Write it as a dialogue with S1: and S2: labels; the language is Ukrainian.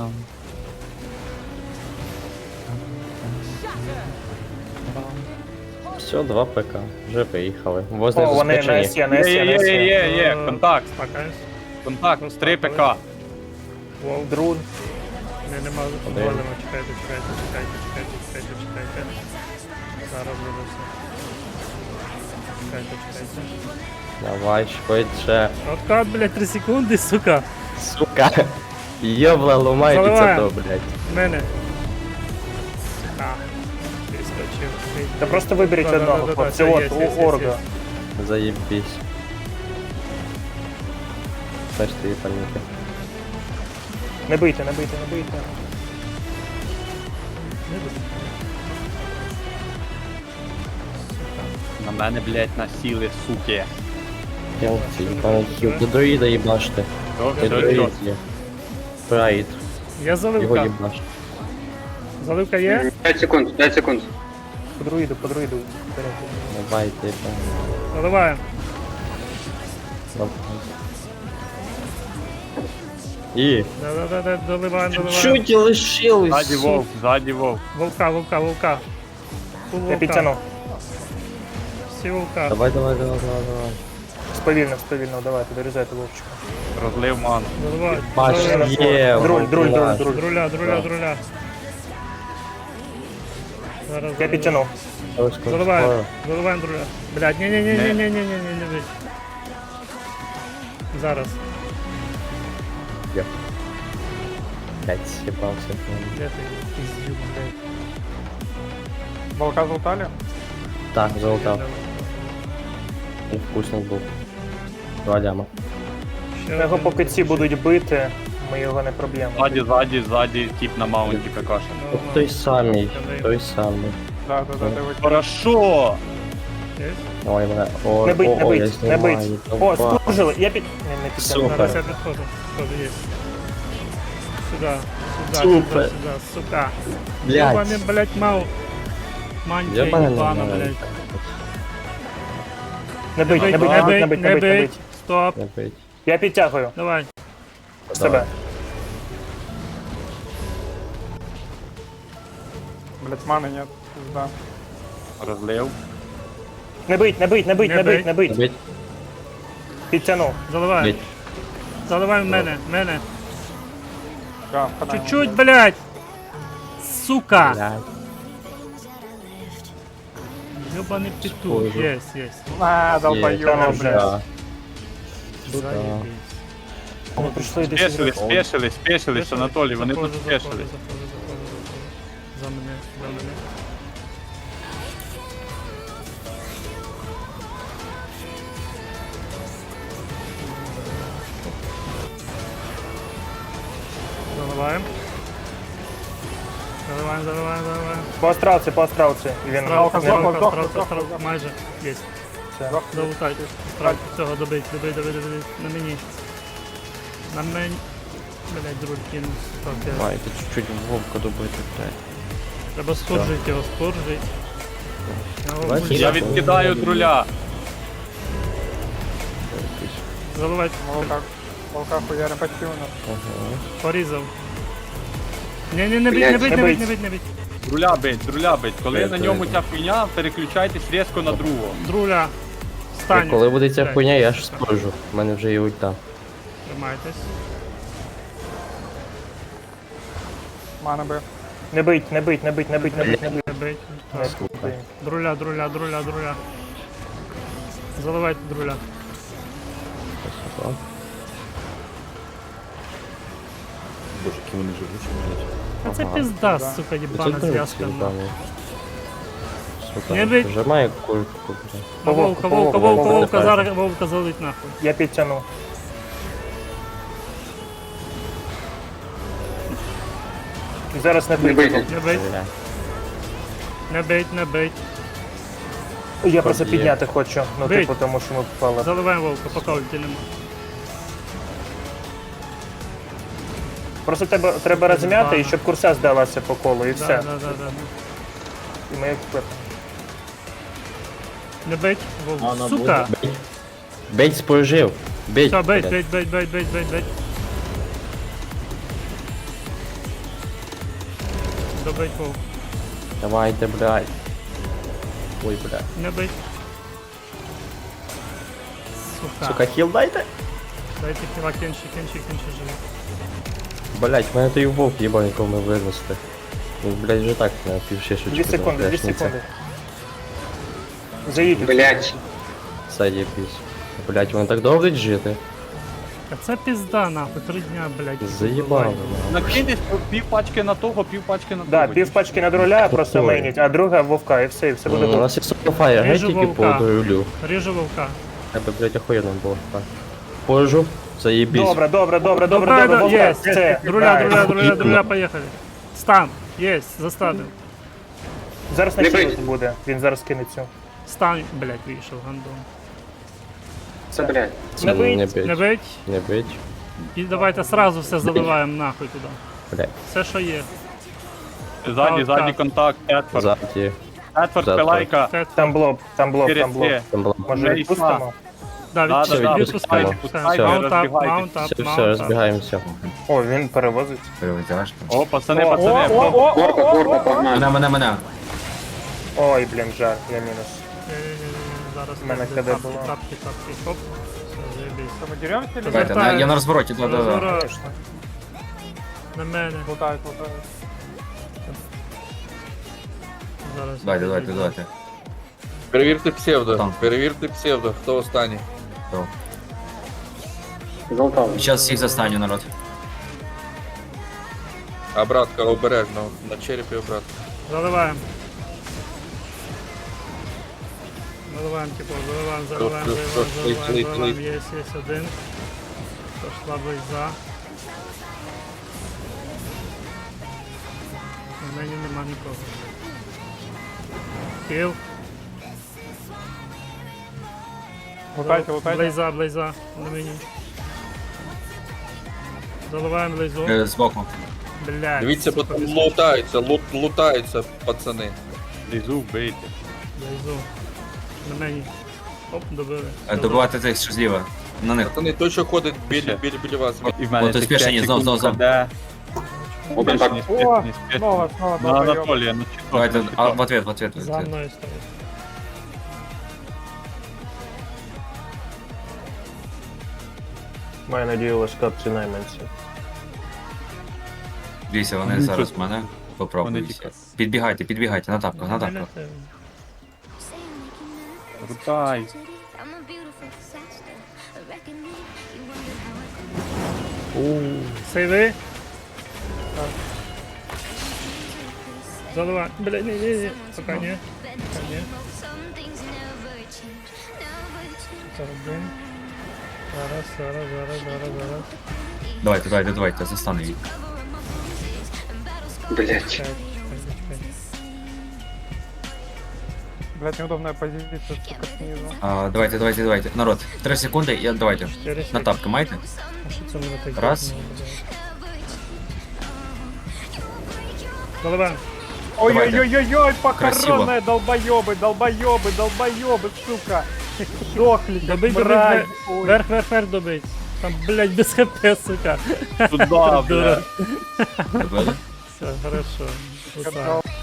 S1: Там.
S2: Все, 2 ПК. Вже виїхали. Возле
S3: О, вони на
S2: заскочені.
S3: СЄ, на СЄ, на СЄ.
S4: Є, контакт,
S5: Спакаюсь.
S4: контакт, 3 ПК.
S5: Вов.
S3: Друг.
S5: Нема
S2: Один.
S5: голема, чекайте. Зараз буде все. Чекайте.
S2: Давай, швидше.
S5: Откат, блядь, 3 секунди, сука.
S2: Сука. Йобла, ломайте це
S5: Заливаємо.
S2: то, блядь.
S5: Мене. Сука. Перескочив.
S3: Та просто виберіть
S5: Да,
S3: одного,
S5: да, да,
S3: хлопці.
S5: да,
S3: От,
S5: є,
S3: у Орга.
S5: є.
S2: Заєбісь. Значить, ти паніки.
S3: Не бийте.
S5: Не буде.
S4: На мене, блядь, насіли, суки.
S2: Хілці, пане хіл. До друїда їбаште. До друїд є. Прайд.
S5: Я
S2: Його
S5: заливка.
S2: їбаште.
S5: Заливка є?
S6: 5 секунд, 5 секунд.
S3: По друїду.
S2: Давайте, пане.
S5: Заливаємо.
S2: І.
S5: Да, доливаємо.
S2: Чуть лишилось.
S4: Ззаді вовк.
S5: Волка. Фул
S3: Я
S5: волка.
S3: підтягнув.
S5: Всі волка.
S2: Давай.
S3: Сповільно, давайте, дорізайте вовчика.
S4: Розлив ману.
S5: Заливай.
S2: Бач, є.
S3: Друль.
S5: Друля. Зараз
S3: Я підтягнув.
S5: Заливаємо друля. Блядь, ні, не бий. Зараз.
S2: Блять, съебался.
S5: Де ти? Піздюк, блядь.
S4: Волка золтали?
S2: Так, золотав. Вкусний був. 2 ляма.
S5: Ще
S3: Його
S5: один.
S3: поки ці будуть бити, ми його не проб'ємо.
S4: Ззаді, тип на маунті ПКшен.
S5: Нормально.
S2: Той самий.
S4: Хорошо!
S5: Є?
S2: Ой, бля. Ой,
S3: Не бить.
S2: я знімаю.
S3: О,
S2: Давай.
S3: спружили, я не підтягнув.
S2: Супер.
S5: Зараз я підходжу. Є. Сюда,
S2: Супер.
S5: сука.
S2: Блядь.
S5: Ёбаный, блядь, мау. Мантия
S2: Єбаний
S5: ебана,
S2: нормально.
S5: блядь.
S3: Не бить.
S5: Стоп.
S2: Не бить.
S3: Я підтягую
S5: Давай.
S3: себе.
S7: Блять, маны нет, пизда.
S4: Розлив.
S3: Не бить.
S2: Не бить.
S3: Підтягнув.
S5: Заливай.
S2: Бить.
S5: Заливай в мене.
S7: Да, впадаем.
S5: Чуть-чуть, блядь. Сука.
S2: Блядь.
S5: Ёбаный петух.
S2: Схоже.
S5: Есть.
S7: А, долбоёб,
S3: Там,
S7: блядь.
S2: Да.
S5: Заебись.
S3: Ми прийшли десь.
S4: Спешились, Анатолій, вони тут спешились.
S5: Заходи. За мене. Заливаем.
S3: По астралці. І він
S5: Стралка, майже. Есть.
S3: Все.
S5: Залутай. Стралку, цього добить. На мені. Блять, друг кинув. Так, я...
S2: Ай, ти чуть-чуть вовка добити, блядь.
S5: Треба споржить його, споржить.
S2: Бачиш?
S4: Я відкидаю друля.
S5: Заливай.
S7: Волка хуярим почти у нас.
S5: Порізав. Не бить.
S4: Друля бить. Коли на ньому ця хуйня, переключайтесь різко на другого.
S5: Друля. Встань.
S2: Коли буде ця
S5: Блядь.
S2: хуйня, я ж споржу. У мене вже є ульта.
S5: Тримайтесь.
S7: Мана Б.
S3: Не бить.
S5: Не бить.
S3: Не
S5: Так. Друля. Заливайте друля.
S8: Боже, які вони живучі, блядь.
S5: А це пизда, сука, єбана зв'язка. Не
S2: Не
S5: бить.
S2: Вжимає кульку, блядь.
S5: Вовка, зараз вовка залить нахуй.
S3: Я підтягнув. Зараз не бить.
S5: Не бить.
S3: Я просто
S2: Є.
S3: підняти хочу, ну
S5: Бить.
S3: типу, тому що ми впали.
S5: Заливаємо вовка, поки ульти нема.
S3: Просто треба розм'яти, і щоб курса здалася по колу, і все.
S5: Да.
S3: І ми як
S5: Не бить, вовк. Сука.
S2: Бить споржив. Бить.
S5: Все,
S2: блядь.
S5: бить. Добить вов.
S2: Давайте, блядь. Ой, блядь.
S5: Не бить. Сука.
S2: Сука, хіл дайте.
S5: Дайте хіла кенші живі.
S2: Блядь, мене той вовк їбав, якого ми винести. Він, блядь, вже так на півшишечку.
S3: 2 секунди, 2
S2: трешниця.
S3: секунди. Заїдь.
S1: Блять.
S2: Заєбісь. Блядь, вони так довго жити.
S5: А це пізда, нахуй, 3 дня, блядь.
S2: Заїбали.
S4: Накинь пів пачки на того, пів пачки на того.
S3: Да, пів пачки на друля просто
S2: Такое.
S3: мейніть, а друга вовка, і все буде
S2: У
S3: добре.
S2: нас є софаєр, геть
S5: Ріжу
S2: тільки по
S5: вовка.
S2: дурю.
S5: Ріжу вовка.
S2: Тебе, блядь, охуєнно було. Так. Пожу. Заєбісь.
S3: Добре, добре,
S5: Добре,
S3: вовка,
S5: є.
S3: все.
S5: Друля, поїхали. Стан. Єсть, заставив.
S3: Зараз
S1: Не
S3: на
S1: бить.
S3: хілус буде, він зараз кине цю.
S5: Стан, блядь, вийшов, гандон.
S1: Це, блядь.
S2: Це
S3: Не бить.
S2: не бить.
S5: Не бить.
S2: Не бить.
S5: І давайте сразу все заливаємо нахуй туди.
S2: Блядь.
S5: Все, що є.
S4: Задній контакт, Едфорд.
S2: Ззаді.
S4: Едфорд,
S2: Зад.
S4: пилайка.
S5: Це,
S3: Там блок.
S2: Там було.
S3: Може
S4: Не
S3: відпустимо?
S5: да,
S4: Да,
S2: да,
S5: відпускай,
S2: відпускаємо.
S5: відпускай.
S2: Все.
S5: Маунт ап,
S4: Розбігайтесь.
S5: маунт ап,
S2: Все, все,
S5: маунт ап.
S2: розбігаємося.
S3: О, він перевозить.
S4: О, пацани,
S7: О,
S4: пацани.
S1: Горка, погнали.
S8: Мене.
S3: Ой, блін, жаль, я мінус.
S5: Зараз
S3: В мене
S5: буде
S3: КД
S5: тапки,
S3: було.
S5: тапки, хоп. Все, заєбісь.
S7: Що, ми деремося или
S5: Давайте,
S7: нет?
S5: на- я на
S8: розвороті,
S5: Розворот. На мене.
S7: Лутають.
S5: Зараз.
S8: давайте.
S6: Перевірте псевдо,
S8: Там.
S6: перевірте псевдо, хто останній.
S1: Золотав.
S8: Зараз всіх застаню, народ.
S6: Обратка обережно, на черепі обратка.
S5: Заливаємо. Заливаємо, типу, заливаємо. Є один. Пошла близьза. У мене нема нікого. Кіл.
S7: Лутайте.
S5: Блейза, на мені. Заливаємо блейзу.
S8: Збоку.
S5: Блядь.
S6: Дивіться, бо
S5: сука,
S6: там
S5: без-
S6: лутаються, пацани.
S4: Лізу вбийте.
S5: Блейзу. На мені. Оп, добили.
S8: Добивати тих, що зліва. На них.
S6: Пацани, той, що ходить біля вас.
S4: І в мене
S8: О, то
S4: цих
S8: спішені,
S4: 5
S8: знов.
S4: секунд де.
S1: Один так.
S7: О, снова
S4: На
S7: долбоёб.
S4: Анатолія, на чітко.
S8: Давайте, в ответ.
S5: За мною стоїть.
S3: Маю надію, ваш капці найманці.
S8: Дивіться, вони зараз в мене попробують. Підбігайте, на тапках.
S4: Рутай.
S5: Сейви. Заливай. Бля, ні. Пока ні. Один. Зараз.
S8: Давайте, застану їх.
S1: Блять.
S5: Чекай.
S7: Блять, неудобная позиция, сука, снизу.
S8: Давайте. Народ, 3 секунди, давайте. На тапки маєте?
S5: А що це мене так?
S8: Раз.
S5: Заливаємо.
S7: Ой-ой-ой-ой,
S8: Красиво.
S7: покоронные долбоёбы, сука. Сдохли, как
S5: Добить,
S7: мразь. Ой.
S5: Верх добить. Там, блядь, без хп, сука.
S4: Туда, бля.
S8: Добили?
S5: Все, хорошо. Ура.